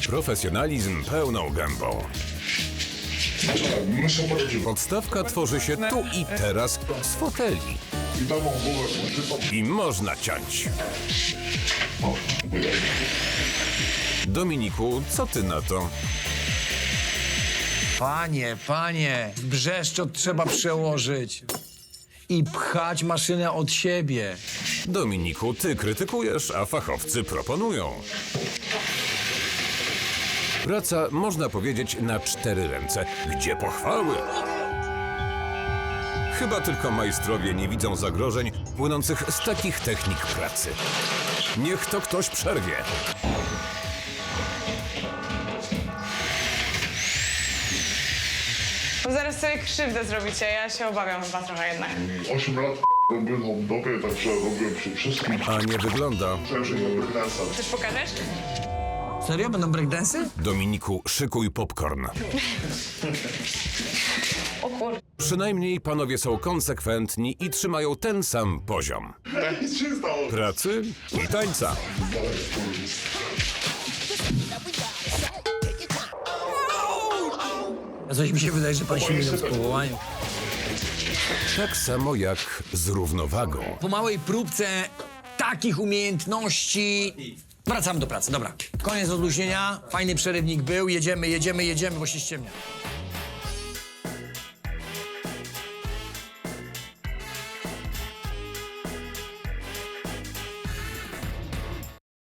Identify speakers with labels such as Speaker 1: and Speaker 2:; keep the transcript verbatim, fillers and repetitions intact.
Speaker 1: Profesjonalizm pełną gębą. Podstawka tworzy się tu i teraz z foteli. I można ciąć. Dominiku, co ty na to?
Speaker 2: Panie, panie, brzeszczot trzeba przełożyć i pchać maszynę od siebie.
Speaker 1: Dominiku, ty krytykujesz, a fachowcy proponują. Praca, można powiedzieć, na cztery ręce. Gdzie pochwały? Chyba tylko majstrowie nie widzą zagrożeń płynących z takich technik pracy. Niech to ktoś przerwie.
Speaker 3: Bo zaraz sobie krzywdę zrobicie, ja się obawiam chyba trochę jednak.
Speaker 4: osiem lat robiłem hot-dogę, także robiłem przy wszystkim.
Speaker 1: A nie wygląda.
Speaker 4: Myślałem, że nie breakdance'a.
Speaker 3: Też pokażesz?
Speaker 2: Serio? Będą breakdance'y?
Speaker 1: Dominiku, szykuj popcorn.
Speaker 3: O kur...
Speaker 1: Przynajmniej panowie są konsekwentni i trzymają ten sam poziom.
Speaker 4: Nic się nie stało.
Speaker 1: Pracy i tańca.
Speaker 2: A coś mi się wydaje, że pan się mylą z powołaniem.
Speaker 1: Tak samo jak z równowagą.
Speaker 2: Po małej próbce takich umiejętności wracamy do pracy. Dobra, koniec odluźnienia. Fajny przerywnik był. Jedziemy, jedziemy, jedziemy, bo się ściemnia.